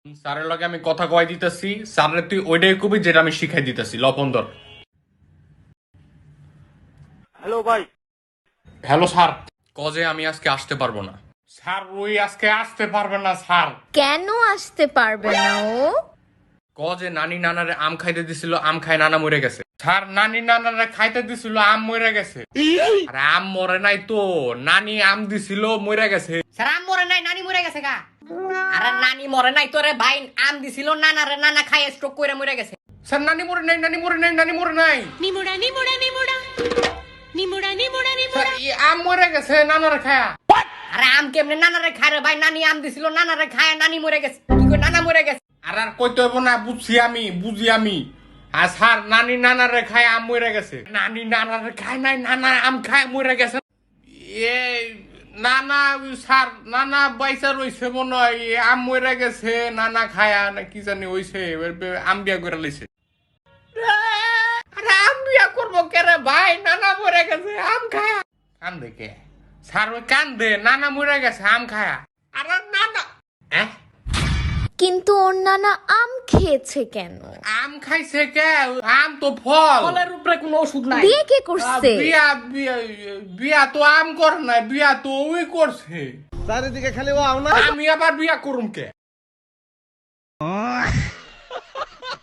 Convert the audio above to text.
স্যারের লগে আমি কথা কয় দিতেছি, স্যারের তুই ওইটাই কবি যেটা আমি শিখাই দিতেছি। লপন্দর। হ্যালো ভাই। Hello sir. কজে আমি আজকে আসতে পারবো না স্যার। ওই আজকে আসতে পারবে না স্যার। কেন আসতে পারবে না ও? কজে নানি নানারে আম খাইতে দিছিল, আম খাই নানা মরে গেছে। স্যার নানি নানারে খাইতে দিছিল, আম মরে গেছে। আরে আম মরে নাই তো, নানি আম দিছিল মরে গেছে। স্যার আম মরে নাই, নানি মরে গেছে গা। আরে নানি মরে নাই তোরে ভাই, আম দিছিল নানারে, নানা খাই স্ট্রোক করে মরে গেছে। স্যার নানি মরে নাই, নানি মরে নাই, নানি মরে নাই। নিমুড়া নিমুড়া নিমুড়া নিমুড়া নিমুড়া স্যার নিমুড়া। আম মরে গেছে নানারে খায়া। আরে আম কেমনে নানারে খায় রে ভাই? নানি আম দিছিল, নানারে খায়, নানি মরে গেছে। কি কই নানা মরে গেছে? আর আর কইতে হইব না, বুঝছি আমি, বুঝি আমি। আর স্যার নানি নানারে খায় আম মরে গেছে। নানি নানারে খায় নাই, নানা আম খায় মরে গেছে। এ নানা স্যার, নানা বাইসা রইছে মনে হয়, আম মরে গেছে, নানা খায়া না কি জানি হইছে, আম বিয়া করে লাইছে। আরে আম বিয়া করবো কে রে ভাই? নানা মরে গেছে, আম খায়া। কান্দে কে স্যার? ওই কান্দে, নানা মরে গেছে আম খায়া। আরে নানা কিন্তু ওর নানা আম খেয়েছে কেন? আম খাইছে কে? আম তো ফল। ফলের উপরে কোনো ওষুধ নাই। বিয়ে কে করছে? বিয়া বিয়া বিয়া তো আম কর নাই, বিয়া তো ওই করছে। চারিদিকে খালি ও আও না। আমি আবার বিয়া করুম কে?